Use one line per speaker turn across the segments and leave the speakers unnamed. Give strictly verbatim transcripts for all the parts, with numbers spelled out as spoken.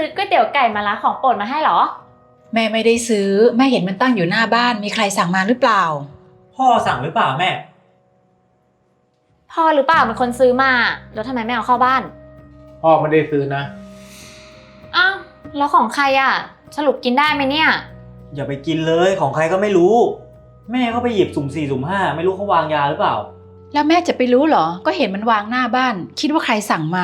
ก๋วยเตี๋ยวไก่มะระของโปรดมาให้เหรอ
แม่ไม่ได้ซื้อแม่เห็นมันตั้งอยู่หน้าบ้านมีใครสั่งมาหรือเปล่า
พ่อสั่งหรือเปล่าแม่
พ่อหรือเปล่าเป็นคนซื้อมาแล้วทำไมไม่เอาเข้าบ้าน
พ่อไม่ได้ซื้อนะ
อ้าวแล้วของใครอ่ะสรุปกินได้ไหมเนี่ย
อย่าไปกินเลยของใครก็ไม่รู้แม่ก็ไปหยิบสุ่มสี่สุ่มห้าไม่รู้เขาวางยาหรือเปล่า
แล้วแม่จะไปรู้เหรอก็เห็นมันวางหน้าบ้านคิดว่าใครสั่งมา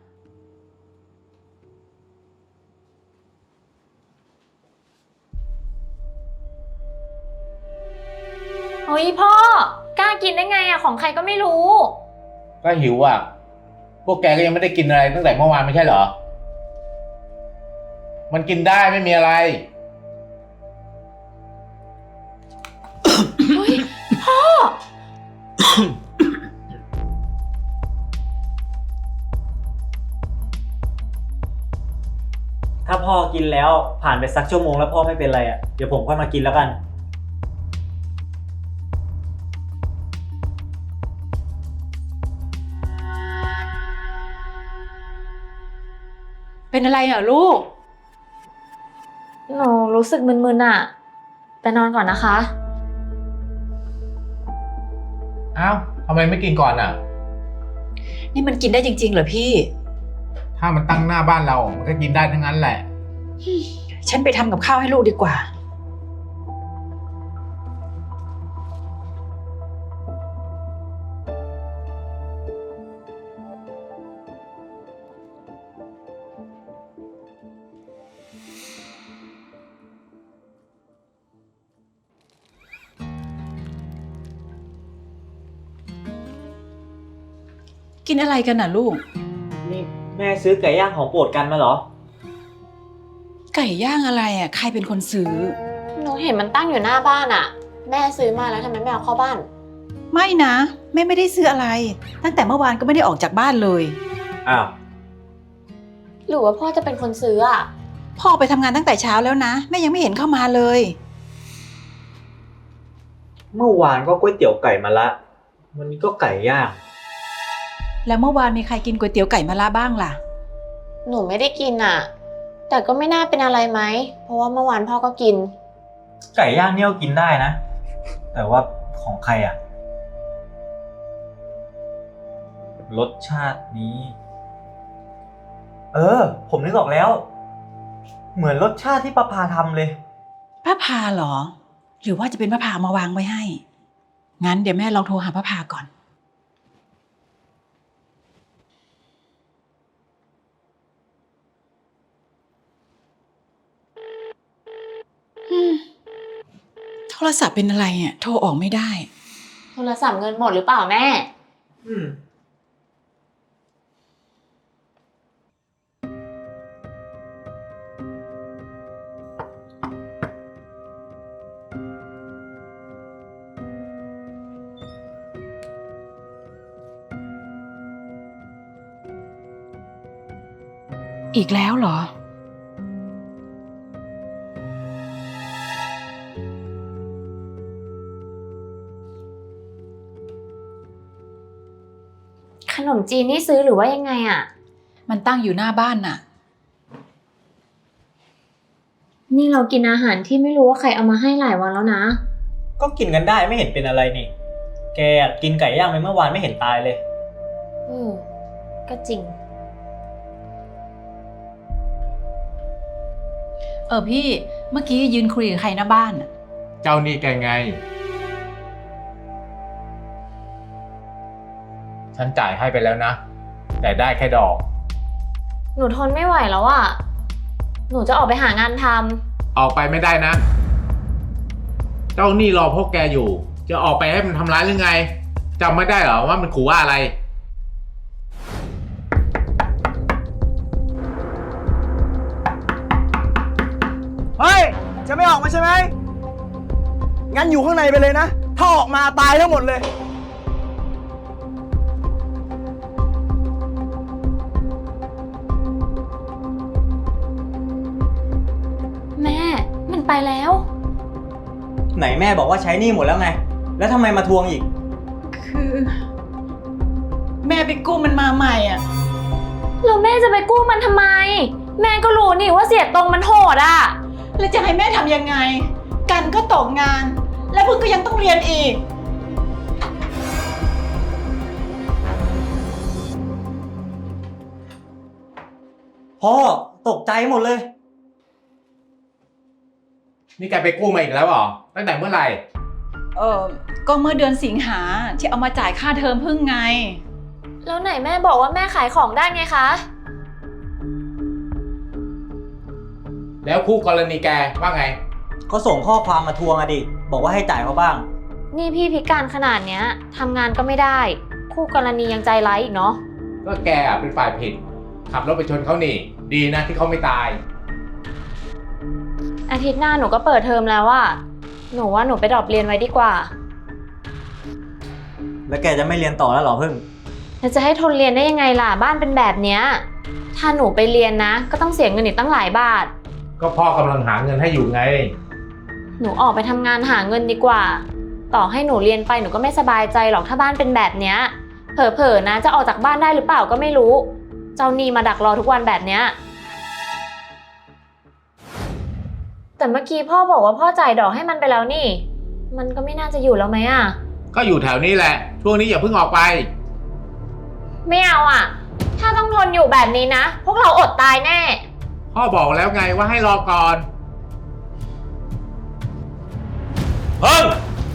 เฮ้ยพ่อกล้ากินได้ไงอะของใครก็ไม่รู้
ก็หิวอ่ะพวกแกก็ยังไม่ได้กินอะไรตั้งแต่เมื่อวานไม่ใช่เหรอมันกินได้ไม่มีอะไร
เฮ้ยพ่อ
ถ้าพ่อกินแล้วผ่านไปสักชั่วโมงแล้วพ่อไม่เป็นไรอ่ะเดี๋ยวผมค่อยมากินแล้วกัน
เป็นอะไรเหรอลูก
หนูรู้สึกมึนๆอะไปนอนก่อนนะคะ
อ้าวทำไมไม่กินก่อนอ่ะ
นี่มันกินได้จริงๆเหรอพี่
ถ้ามันตั้งหน้าบ้านเรามันก็กินได้ทั้งนั้นแหละ
ฉันไปทำกับข้าวให้ลูกดีกว่ากินอะไรกันน่ะลูก
นี่แม่ซื้อไก่ย่างของโปรดกันมาเหรอ
ไก่ย่างอะไรอ่ะใครเป็นคนซื้อ
หนูเห็นมันตั้งอยู่หน้าบ้านอ่ะแม่ซื้อมาแล้วทำไมไม่เอาเข้าบ้าน
ไม่นะแม่ไม่ได้ซื้ออะไรตั้งแต่เมื่อวานก็ไม่ได้ออกจากบ้านเลย
อ้าว
หรือว่าพ่อจะเป็นคนซื้ออ่ะ
พ่อไปทำงานตั้งแต่เช้าแล้วนะแม่ยังไม่เห็นเข้ามาเลย
เมื่อวานก็ก๋วยเตี๋ยวไก่มะระวันนี้ก็ไก่ย่าง
แล้วเมื่อวานมีใครกินก๋วยเตี๋ยวไก่มะระบ้างล่ะ
หนูไม่ได้กินอ่ะแต่ก็ไม่น่าเป็นอะไรไหมเพราะว่าเมื่อวานพ่อก็กิน
ไก่ย่างเนี่ยกินได้นะแต่ว่าของใครอ่ะรสชาตินี้เออผมนึกออกแล้วเหมือนรสชาติที่ป้าพาทำเลย
ป้าพาเหรอหรือว่าจะเป็นป้าพามาวางไว้ให้งั้นเดี๋ยวแม่ลองโทรหาป้าพาก่อนโทรศัพท์เป็นอะไรอ่ะโทรออกไม่ได้
โทรศัพท์เงินหมดหรือเปล่าแม่
อืม
อีกแล้วเหรอ
ขนมจีนนี่ซื้อหรือว่ายังไงอ่ะ
มันตั้งอยู่หน้าบ้านน่ะ
นี่เรากินอาหารที่ไม่รู้ว่าใครเอามาให้หลายวันแล้วนะ
ก็กินกันได้ไม่เห็นเป็นอะไรนี่แกกินไก่ย่างไปเมื่อวานไม่เห็นตายเลย
อืมก็จริง
เออพี่เมื่อกี้ยืนคุยกับใครหน้าบ้าน
เจ้านี่แกไงฉันจ่ายให้ไปแล้วนะแต่ได้แค่ดอก
หนูทนไม่ไหวแล้วอ่ะหนูจะออกไปหางานท
ำออกไปไม่ได้นะเจ้านี่รอพวกแกอยู่จะออกไปให้มันทำร้ายหรือไงจำไม่ได้เหรอว่ามันขู่ว่าอะไร
เฮ้ยจะไม่ออกมาใช่ไหมงั้นอยู่ข้างในไปเลยนะถ้าออกมาตายทั้งหมดเลย
แม่มันไปแล้ว
ไหนแม่บอกว่าใช้หนี้หมดแล้วไงแล้วทำไมมาทวงอีก
คือแม่ไปกู้มันมาใหม่อ่ะ
แล้วแม่จะไปกู้มันทำไมแม่ก็รู้นี่ว่าเสียตรงมันโหดอ่ะ
แล้วจะให้แม่ทำยังไง กันก็ตกงาน และพึ่งก็ยังต้องเรียนอีก
พ่อตกใจหมดเลย
นี่แกไปกู้มาอีกแล้วเหรอ ตั้งแต่เมื่อไหร่
เออก็เมื่อเดือนสิงหาที่เอามาจ่ายค่าเทอมพึ่งไง
แล้วไหนแม่บอกว่าแม่ขายของได้ไงคะ
แล้วคู่กรณีแกว่าไง
เขาส่งข้อความมาทวงอะดิ บอกว่าให้จ่ายเขาบ้าง
นี่พี่พิการขนาดเนี้ยทำงานก็ไม่ได้ คู่กรณียังใจร้ายอีกเนาะ
ก็แกอ่ะเป็นฝ่ายผิด ขับรถไปชนเขานี่ ดีนะที่เขาไม่ตาย
อาทิตย์หน้าหนูก็เปิดเทอมแล้วอะหนูว่าหนูไปดรอปเรียนไว้ดีกว่า
แล้วแกจะไม่เรียนต่อแล้วเหรอพึ่ง
แล้วจะให้ทนเรียนได้ยังไงล่ะบ้านเป็นแบบเนี้ยถ้าหนูไปเรียนนะ ก็ต้องเสียเงินอีกตั้งหลายบาท
ก็พ่อกำลังหาเงินให้อยู่ไง
หนูออกไปทำงานหาเงินดีกว่า ต่อให้หนูเรียนไปหนูก็ไม่สบายใจหรอกถ้าบ้านเป็นแบบเนี้ยเผลอๆนะจะออกจากบ้านได้หรือเปล่าก็ไม่รู้ เจ้าหนี้มาดักรอทุกวันแบบเนี้ยแต่เมื่อกี้พ่อบอกว่าพ่อจ่ายดอกให้มันไปแล้วนี่ มันก็ไม่น่าจะอยู่แล้วไหมอะ
ก็อยู่แถวนี้แหละ ช่วงนี้อย่าเพิ่งออกไป
ไม่เอาอะถ้าต้องทนอยู่แบบนี้นะ พวกเราอดตายแน่
พ่อบอกแล้วไงว่าให้รอก่อน
เพิ่ง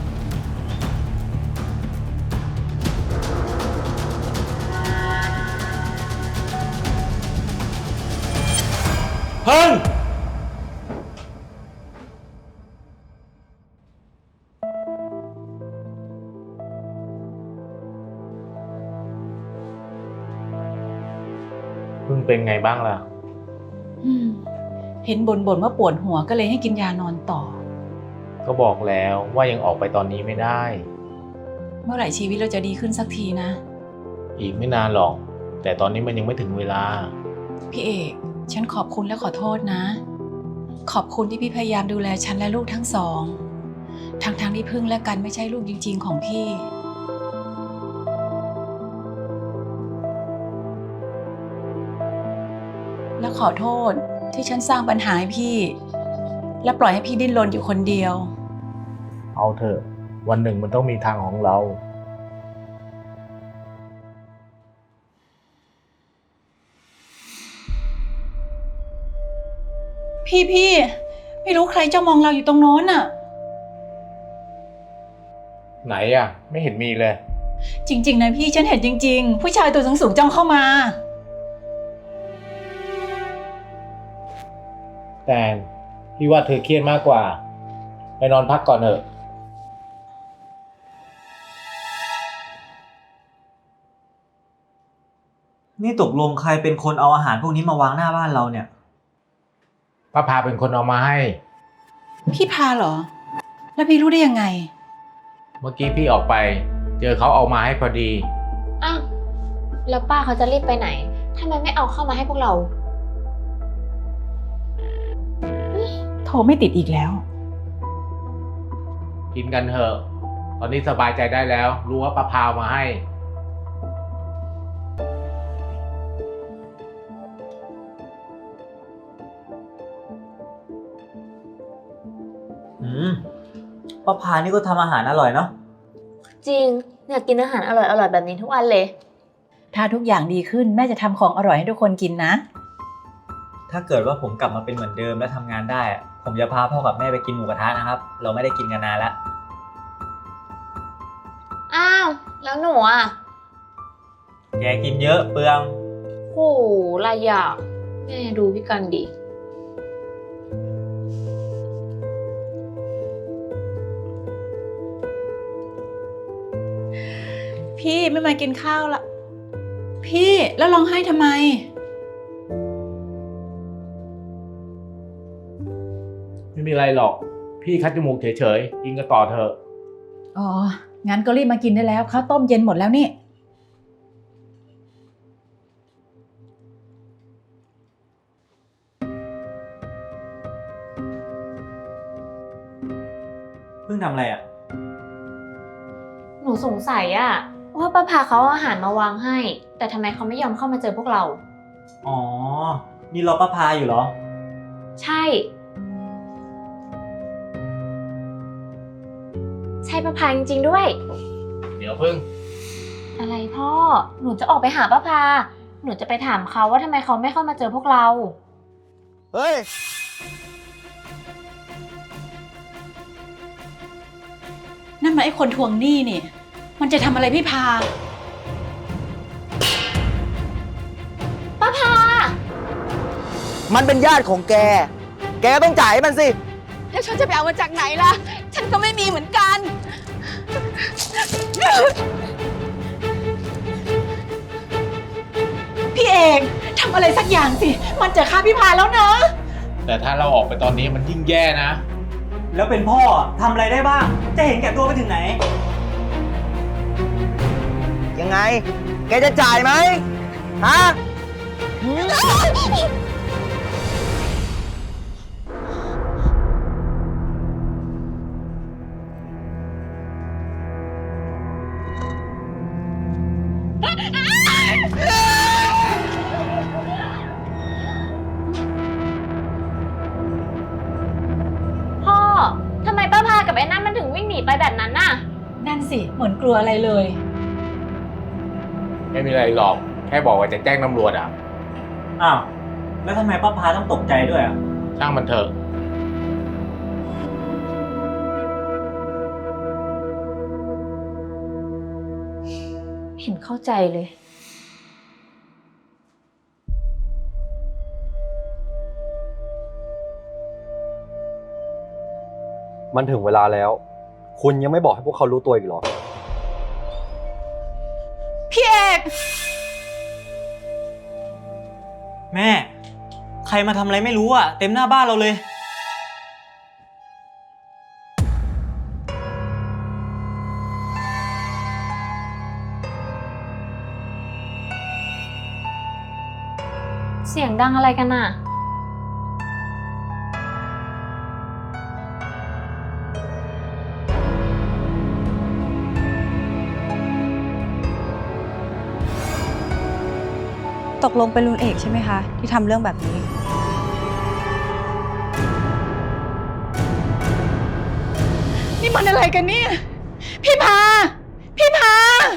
เพิ่ง
เพิ่งเป็นไงบ้างล่ะ
อืมเห็นบ่นๆว่าปวดหัวก็เลยให้กินยานอนต่อ
ก็บอกแล้วว่ายังออกไปตอนนี้ไม่ได้
เมื่อไหร่ชีวิตเราจะดีขึ้นสักทีนะ
อีกไม่นานหรอก แต่ตอนนี้มันยังไม่ถึงเวลา
พี่เอก ฉันขอบคุณและขอโทษนะ ขอบคุณที่พี่พยายามดูแลฉันและลูกทั้งสอง ทั้งๆที่พึ่งและกันไม่ใช่ลูกจริงๆของพี่ และขอโทษที่ฉันสร้างปัญหาให้พี่ และปล่อยให้พี่ดิ้นรนอยู่คนเดียว
เอาเถอะวันหนึ่งมันต้องมีทางของเรา
พี่พี่ไม่รู้ใครจ้องมองเราอยู่ตรงโน้นน่ะ
ไหนอ่ะ ไม่เห็นมีเลย
จริงๆนะพี่ฉันเห็นจริงๆ ผู้ชายตัวสูงๆจ้องเข้ามา
แต่พี่ว่าเธอเครียดมากกว่า ไปนอนพักก่อนเถอะ
นี่ตกลงใครเป็นคนเอาอาหารพวกนี้มาวางหน้าบ้านเราเนี่ย
ป้าพาเป็นคนเอามาให้
พี่พาเหรอ แล้วพี่รู้ได้ยังไง
เมื่อกี้พี่ออกไป เจอเขาเอามาให้พอดี
อ้าวแล้วป้าเขาจะรีบไปไหนทำไมไม่เอาเข้ามาให้พวกเรา
โทรไม่ติดอีกแล้ว
กินกันเถอะ ตอนนี้สบายใจได้แล้ว รู้ว่าป้าพาเอามาให้
อืมป้าพานี่ก็ทำอาหารอร่อยเนาะ
จริงอยากกินอาหารอร่อยๆแบบนี้ทุกวันเลย
ถ้าทุกอย่างดีขึ้นแม่จะทำของอร่อยให้ทุกคนกินนะ
ถ้าเกิดว่าผมกลับมาเป็นเหมือนเดิมและทำงานได้อะผมจะพาพ่อกับแม่ไปกินหมูกระทะนะครับ เราไม่ได้กินกันนานแล้ว
อ้าว แล้วหนูอ่ะ
แกกินเยอะเปลือง
โหไรอ่ะแม่ดูพี่กันดิ
พี่ไม่มากินข้าวละ พี่แล้วร้องไห้ทำไม
ไม่มีอะไรหรอก พี่คัดจมูกเฉยๆ กินกันต่อเถอะ
อ๋อ งั้นก็รีบมากินได้แล้วข้าวต้มเย็นหมดแล้วนี่
เพิ่งทำอะไรอ่ะ
หนูสงสัยอ่ะว่าป้าพาเขาเอาอาหารมาวางให้ แต่ทำไมเขาไม่ยอมเข้ามาเจอพวกเรา
อ๋อนี่รอป้าพาอยู่เหรอ
ใช่ ใช่ป้าพาจริงๆด้วย
เดี๋ยวพึ่ง
อะไรพ่อ หนูจะออกไปหาป้าพา หนูจะไปถามเขาว่าทำไมเขาไม่เข้ามาเจอพวกเรา
เฮ้ย
นั่นมันไอ้คนทวงหนี้นี่ มันจะทำอะไรพี่พา
ป้าพา
มันเป็นญาติของแก แกต้องจ่ายให้มันสิ
แล้วฉันจะไปเอามาจากไหนล่ะ ฉันก็ไม่มีเหมือนกัน พี่เอกทำอะไรสักอย่างสิ มันจะฆ่าพี่พาแล้วนะ
แต่ถ้าเราออกไปตอนนี้มันยิ่งแย่นะ
แล้วเป็นพ่อทำอะไรได้บ้าง จะเห็นแก่ตัวไปถึงไหน
ยังไง แกจะจ่ายไหมฮะ
พ่อ ทำไมป้าพากับไอ้นั่นมันถึงวิ่งหนีไปแบบนั้นน่ะ
นั่นสิ เหมือนกลัวอะไรเลย
ไม่มีอะไรหรอก แค่บอกว่าจะแจ้งตำรวจอ่ะ
อ้าว แล้วทำไมป้าพาต้องตกใจด้วยอ่ะ
ช่างมันเถอะ
เห็นเข้าใจเลย
มันถึงเวลาแล้ว คุณยังไม่บอกให้พวกเขารู้ตัวอีกเหรอ
พี่เอก
แม่ ใครมาทำอะไรไม่รู้อ่ะ เต็มหน้าบ้านเราเลย
เสียงดังอะไรกันน่ะ
ตกลงเป็นลุงเอกใช่ไหมคะ ที่ทำเรื่องแบบนี้
นี่มันอะไรกันเนี่ย พี่พา พี่พา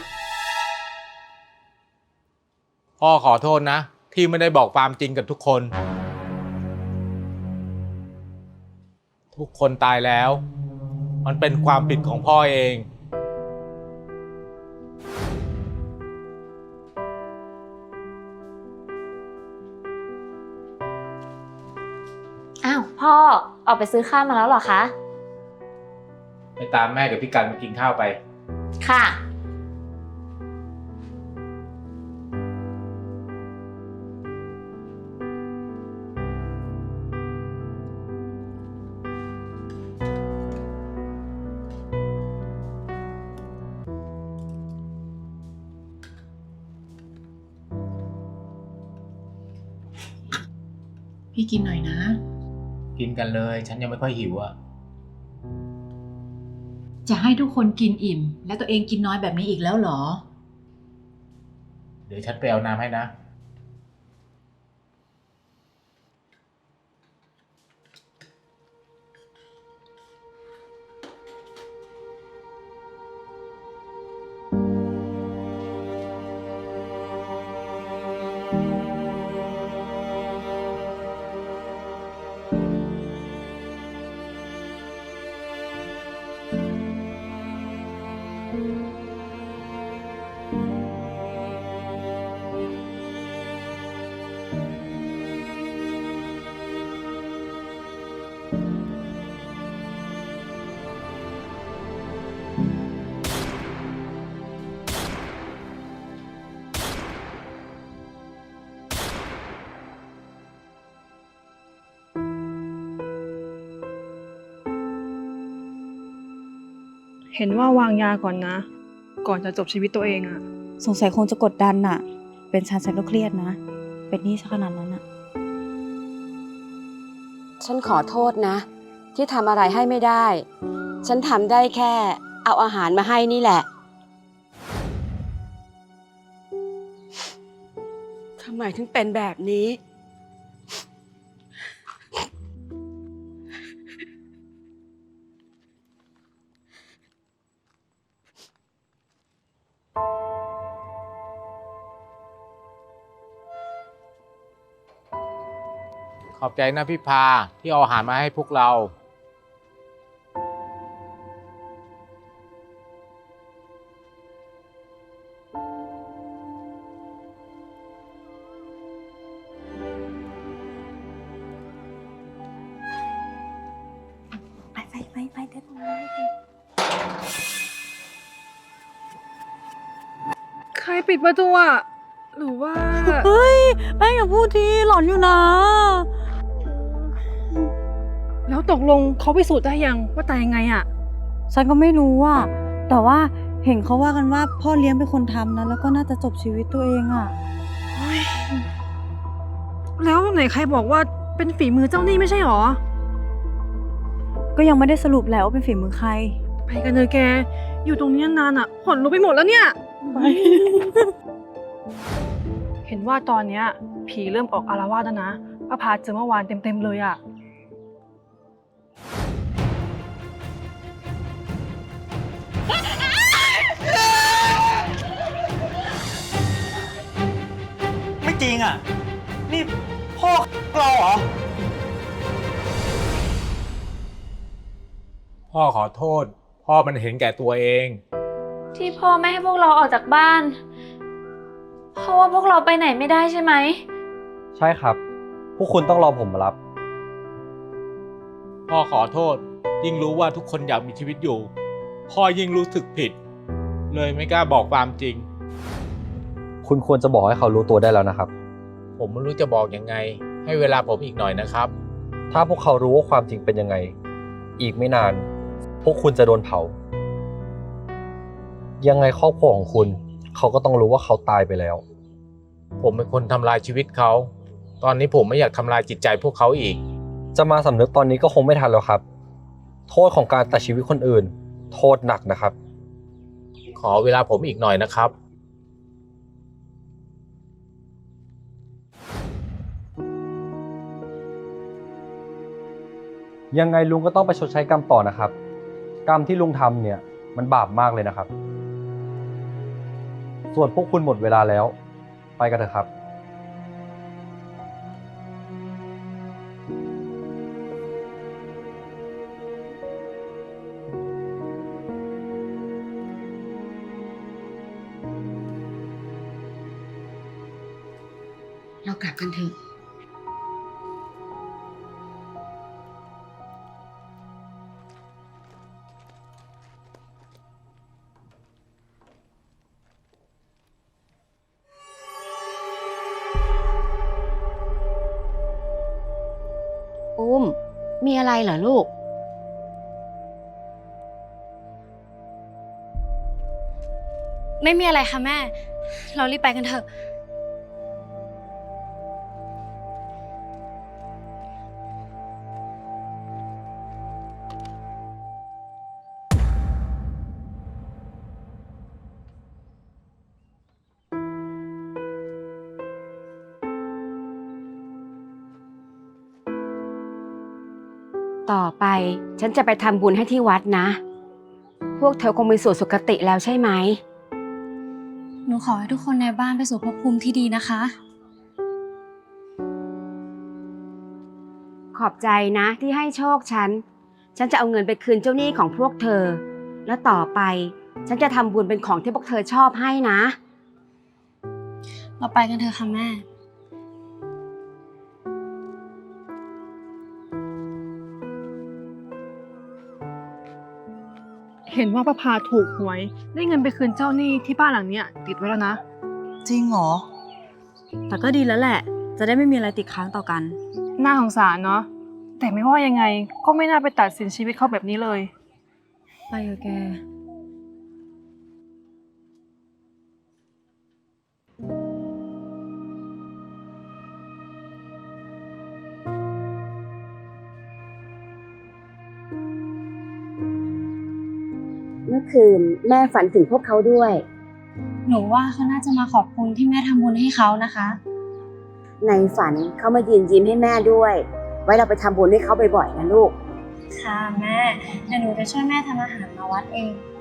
พ่อขอโทษนะ ที่ไม่ได้บอกความจริงกับทุกคน ทุกคนตายแล้ว มันเป็นความผิดของพ่อเอง
อ้าว พ่อ ออกไปซื้อข้าวมาแล้วเหรอคะ
ไปตามแม่กับพี่กันมากินข้าวไป
ค่ะ
พี่กินหน่อยนะ
กินกันเลย ฉันยังไม่ค่อยหิวอ่ะ
จะให้ทุกคนกินอิ่ม แล้วตัวเองกินน้อยแบบนี้อีกแล้วเหรอ
เดี๋ยวฉันไปเอาน้ำให้นะ
เห็นว่าวางยาก่อนนะ ก่อนจะจบชีวิตตัวเองอะ
สงสัยคงจะกดดันน่ะ เป็นฉันฉันก็เครียดนะ เป็นหนี้ซะขนาดนั้นน่ะ
ฉันขอโทษนะ ที่ทำอะไรให้ไม่ได้ ฉันทำได้แค่ เอาอาหารมาให้นี่แหละทำไมถึงเป็นแบบนี้
ขอบใจนะพี่พาที่เอาอาหารมาให้พวกเรา
ไปไปไปไปเดินมา
ใครปิดประตูอ่ะ หรือว่า
เฮ้ยแป้งอย่าพูดทีหลอนอยู่นะ
แล้วตกลงเขาพิสูจน์ได้ยังว่าตายยังไงอ่ะ
ฉันก็ไม่รู้อ่ะ แต่ว่าเห็นเขาว่ากันว่าพ่อเลี้ยงเป็นคนทำนะ แล้วก็น่าจะจบชีวิตตัวเองอ่ะ
แล้วไหนใครบอกว่าเป็นฝีมือเจ้าหนี้ไม่ใช่หรอ
ก็ยังไม่ได้สรุปแล้วว่าเป็นฝีมือใคร
ไปกันเลยแก อยู่ตรงนี้นานอ่ะขนลุกไปหมดแล้วเนี่ย เห็นว่าตอนเนี้ยผีเริ่มออกอาละวาดแล้วนะป้าพาเจอเมื่อวานเต็มๆเลยอ่ะ
ไม่จริงอ่ะ นี่พ่อเราเหรอ
พ่อขอโทษ พ่อมันเห็นแก่ตัวเอง
ที่พ่อไม่ให้พวกเราออกจากบ้าน เพราะว่าพวกเราไปไหนไม่ได้ใช่ไหม
ใช่ครับ พวกคุณต้องรอผมมารับ
พ่อขอโทษ ยิ่งรู้ว่าทุกคนอยากมีชีวิตอยู่ พ่อยิ่งรู้สึกผิด เลยไม่กล้าบอกความจริง
คุณควรจะบอกให้เขารู้ตัวได้แล้วนะครับ
ผมไม่รู้จะบอกยังไง ให้เวลาผมอีกหน่อยนะครับ
ถ้าพวกเขารู้ว่าความจริงเป็นยังไง อีกไม่นาน พวกคุณจะโดนเผา ยังไงครอบครัวของคุณ เขาก็ต้องรู้ว่าเขาตายไปแล้ว
ผมเป็นคนทำลายชีวิตเขา ตอนนี้ผมไม่อยากทำลายจิตใจพวกเขาอีก
จะมาสำนึกตอนนี้ก็คงไม่ทันแล้วครับ โทษของการตัดชีวิตคนอื่น โทษหนักนะครับ
ขอเวลาผมอีกหน่อยนะครับ
ยังไงลุงก็ต้องไปชดใช้กรรมต่อนะครับ กรรมที่ลุงทำเนี่ยมันบาปมากเลยนะครับ ส่วนพวกคุณหมดเวลาแล้ว ไปกันเถอะครับ
เรากลับกันเถอะ อุ้ม มีอะไรเหรอลูก
ไม่มีอะไรค่ะแม่ เรารีบไปกันเถอะ
ต่อไปฉันจะไปทำบุญให้ที่วัดนะ พวกเธอคงมีสู่สุคติแล้วใช่ไหม
หนูขอให้ทุกคนในบ้านไปสู่ภพภูมิที่ดีนะคะ
ขอบใจนะที่ให้โชคฉัน ฉันจะเอาเงินไปคืนเจ้าหนี้ของพวกเธอ แล้วต่อไปฉันจะทำบุญเป็นของที่พวกเธอชอบให้นะ
เราไปกันเถอะค่ะแม่
เห็นว่าป้าพาถูกหวย ได้เงินไปคืนเจ้าหนี้ที่บ้านหลังเนี้ยติดไว้แล้วนะ
จริงเหรอ แต่ก็ดีแล้วแหละ จะได้ไม่มีอะไรติดค้างต่อกัน
น่าสงสารเนาะ แต่ไม่ว่ายังไงก็ไม่น่าไปตัดสินชีวิตเขาแบบนี้เลย
ไปเถอะแก
เมื่อคืนแม่ฝันถึงพวกเขาด้วย
หนูว่าเขาน่าจะมาขอบคุณที่แม่ทำบุญให้เขานะคะ
ในฝันเขามายืนยิ้มให้แม่ด้วย ไว้เราไปทำบุญให้เขาบ่อยๆนะลูก
ค่ะแม่ เดี๋ยวหนูจะช่วยแม่ทำอาหารมาวัดเอง